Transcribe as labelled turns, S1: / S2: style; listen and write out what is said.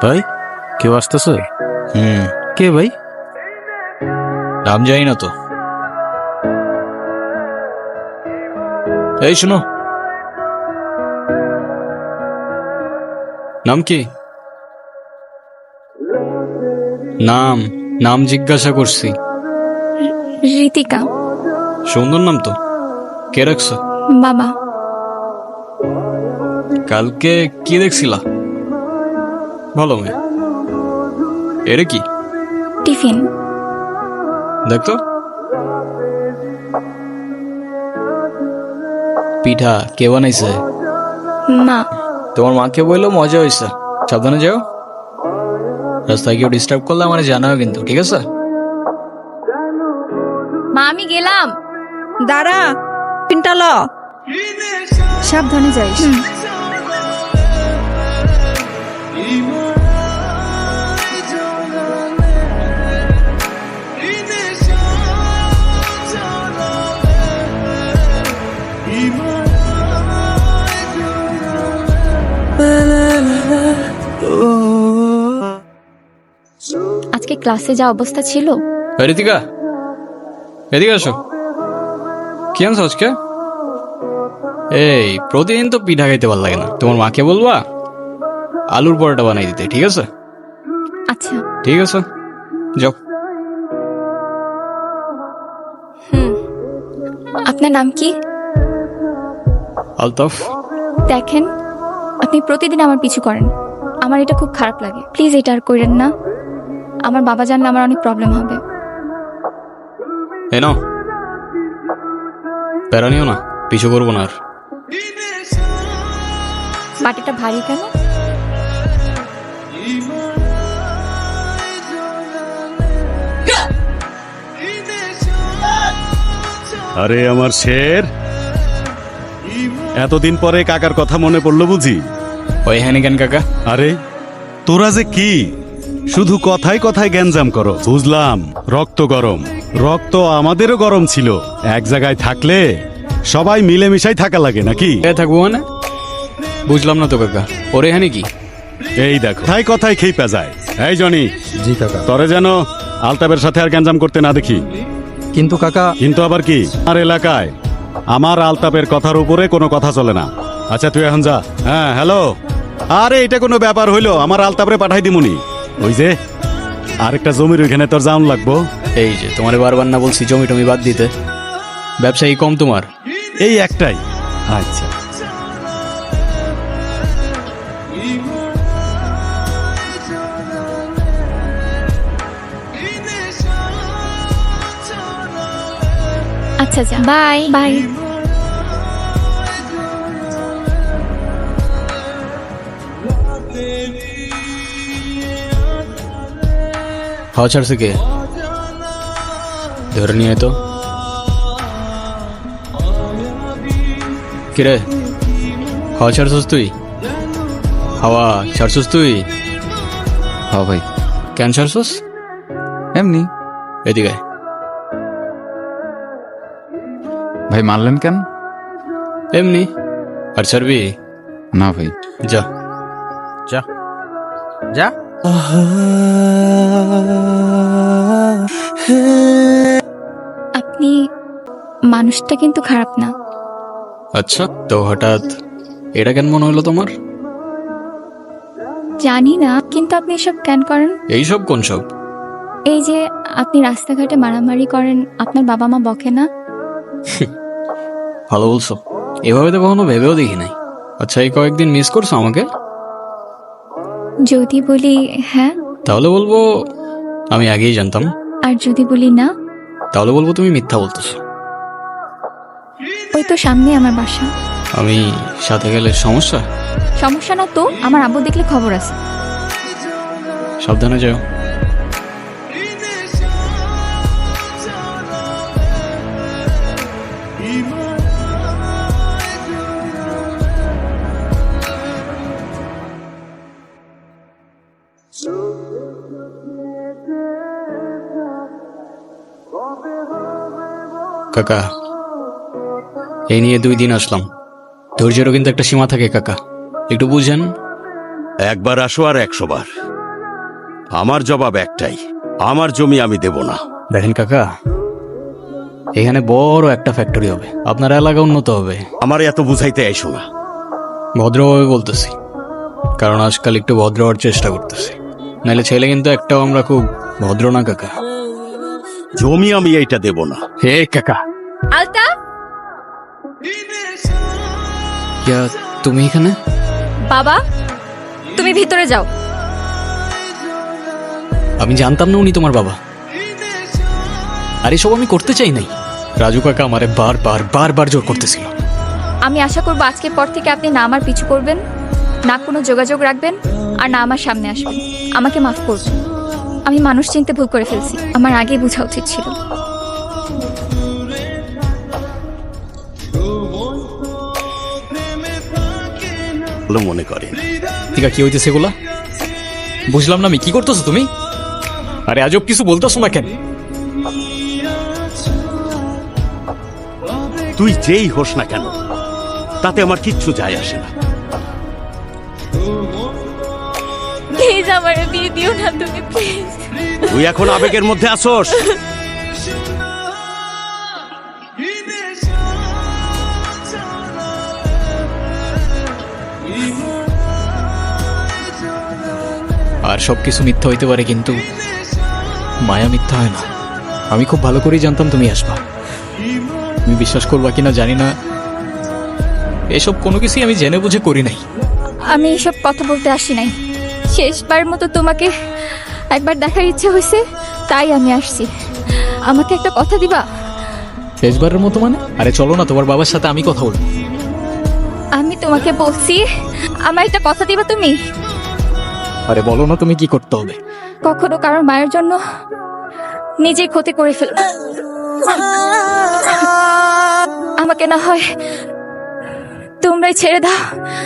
S1: ভাই কেউ আসতেছে? কে ভাই?
S2: নাম জানি না তো। এই শোনো, নাম কি? নাম নাম জিজ্ঞাসা করছি।
S3: ঋতিকা।
S2: সুন্দর নাম তো, কে রাখছো?
S3: বাবা।
S2: কালকে কি দেখছিলা? ভালো মেয়ে। এরে কি
S3: টিফিন।
S2: দেখতো। পিঠা কে বানাইছে?
S3: মা।
S2: তোমার মাকে বললো মজা হয়েছে, সাবধানে যাও। রাস্তায় কেউ ডিস্টার্ব করলে আমার জানাও কিন্তু, ঠিক আছে?
S3: মা আমি গেলাম।
S4: দাঁড়া, পিনটা ল। সাবধানে যাইস।
S3: আজকে ক্লাসে যা অবস্থা ছিল।
S2: ঋতিকা, এদিকে আসো। কি আনছো আজকে? এই প্রতিদিন তো পিঠা খাইতে ভালো লাগে না, তোমার মাকে বলবা আলুর পরোটা বানাই দিতে, ঠিক আছে?
S3: আচ্ছা।
S2: ঠিক আছে, যাও।
S3: আপনার নাম কি?
S2: আলতাফ।
S3: দেখেন, আপনি প্রতিদিন আমার পিছু করেন, আমার এটা খুব খারাপ লাগে। প্লিজ এটা আর করেন না, আমার বাবা জানলে আমার অনেক প্রবলেম হবে।
S2: এই নাও, প্যারা নিও না, পিছু করবো না আর।
S3: বাটিটা ভারী কেন?
S5: আরে আমার শের, এতদিন পরে কাকার কথা মনে পড়লো বুঝি?
S2: ওই হ্যানি কেন কাকা?
S5: আরে তোরা যে কি শুধু কথায় কথায় গ্যাঞ্জাম করো। বুঝলাম রক্ত গরম, রক্ত আমাদেরও গরম ছিল। এক জায়গায় থাকলে সবাই মিলেমিশাই থাকা লাগে নাকি?
S2: এ থাকবো মানে? বুঝলাম না তো কাকা, ওরে হ্যানি কি?
S5: এই দেখো কথায় কথায় খেপা যায়। এই জনি,
S1: জি কাকা।
S5: তরে যেন আলতাবের সাথে আর গ্যাঞ্জাম করতে না দেখি।
S1: কিন্তু কাকা।
S5: কিন্তু আবার কি? আমার এলাকায় আমার আলতাপের কথার উপরে কোনো কথা চলে না। আচ্ছা তুই এখন যা। হ্যাঁ হ্যালো, আরে এটা কোনো ব্যাপার হইলো? আমার আলতাপরে পাঠাই দিমুনি। ওই যে আরেকটা জমির ওইখানে তোর জাউন লাগবো।
S2: এই যে তোমারে বারবার না বলছি জমি টমি বাদ দিতে? ব্যবসায়ী কম তোমার?
S5: এই একটাই। আচ্ছা
S3: আচ্ছা যা, বাই বাই।
S2: হাওয়া ছাড়ছে কে? ধরে নিয়ে তো। কিরে, হাওয়া ছাড়ছস তুই? হাওয়া ছাড়ছস তুই?
S6: হ্যাঁ ভাই,
S2: কেন ছাড়ছস?
S6: এমনি।
S2: এদিকে আয়।
S6: ভাই মারলেন কেন?
S2: এমনি। আর ছাড়বি?
S6: না ভাই।
S2: যা
S1: যা যা।
S3: আপনি মানুষটা কিন্তু খারাপ না।
S2: আচ্ছা, তো হঠাৎ এটা কেন মনে হলো তোমার?
S3: জানি না, কিন্তু আপনি এসব কেন করেন?
S2: এইসব কোন সব?
S3: এই যে আপনি রাস্তাঘাটে মারামারি করেন, আপনার বাবা মা বকে না?
S2: ভালো বলছো, এভাবে তো কখনো ভেবেও দেখি নাই। আচ্ছা, এই কয়েকদিন মিস করছো আমাকে?
S3: যদি বলি হ্যাঁ,
S2: তাহলে বলবো আমি আগেই জানতাম।
S3: আর যদি বলি না,
S2: তাহলে বলবো তুমি মিথ্যা বলতেছো।
S3: ওই তো সামনে আমার বাসা।
S2: আমি সাথে গেলে সমস্যা?
S3: সমস্যা না তো, আমার আব্বু দেখলে খবর আছে।
S2: সাবধানে যাও। কাকা, এই নিয়ে 2 দিন আসলাম, ধৈর্যেরও কিন্তু একটা সীমা থাকে কাকা, একটু বুঝেন।
S5: একবার আসো আর 100 বার। আমার জবাব একটাই, আমার জমি আমি দেব না।
S2: দেখেন কাকা, এখানে বড় একটা ফ্যাক্টরি হবে, আপনার এলাকা উন্নত হবে।
S5: আমার এত বুঝাইতে আইসো না।
S2: ভদ্রভাবে বলতেছি, কারণ আজকাল একটু ভদ্র হওয়ার চেষ্টা করতেছি, নাহলে ছেলে কিন্তু একটাও আমরা খুব ভদ্র না কাকা।
S5: জমি আমি এইটা দেব না।
S2: হে কাকা,
S3: আলতা,
S2: ইয়া তুমি এখানে?
S3: বাবা তুমি ভিতরে যাও।
S2: আমি জানতাম না উনি তোমার বাবা। আর এসব আমি করতে চাই নাই। রাজু কাকা আমারে বারবার জোর করতেছিল।
S3: আমি আশা করবো আজকের পর থেকে আপনি না আমার পিছু করবেন, না কোনো যোগাযোগ রাখবেন, আর না আমার সামনে আসবেন। আমাকে মাফ করবেন, আমি মানুষ চিনতে ভুল করে ফেলছি, আমার আগেই বোঝা উচিত ছিল।
S5: ভালো মনে করেন।
S2: ঠিক আছে, কি হইতেছে এগুলা? বুঝলাম না আমি, কি করতেছো তুমি? আরে আজব কিছু বলতেছো না কেন?
S5: তুই যেই হোস না কেন, তাতে আমার কিচ্ছু যায় আসে না।
S3: প্লিজ আমার বিয়ে দিও না তুমি, প্লিজ।
S5: তুই এখন আবেগের মধ্যে আসোস।
S2: আর সবকিছু মিথ্যা হইতে পারে, কিন্তু মায়া মিথ্যা হয় না। আমি খুব ভালো করেই জানতাম তুমি আসবা। তুমি বিশ্বাস করবা কিনা জানি না, এসব কোনো কিছুই আমি জেনে বুঝে করি নাই।
S3: আমি এসব কথা বলতে আসি নাই, শেষবার মতো তোমাকে একবার দেখার ইচ্ছে হয়েছে, তাই আমি আসছি। আমাকে একটা কথা দিবা?
S2: শেষবারের মতো মানে? আরে চলো না, তোমার বাবার সাথে আমি কথা বলবো।
S3: আমি তোমাকে বলছি, আমার একটা কথা দিবা তুমি?
S2: আরে বলো না, তুমি কি করতে হবে?
S3: কখনো কারোর মায়ের জন্য নিজেই ক্ষতি করে ফেলো না। আমাকে না হয় তোমরাই ছেড়ে দাও।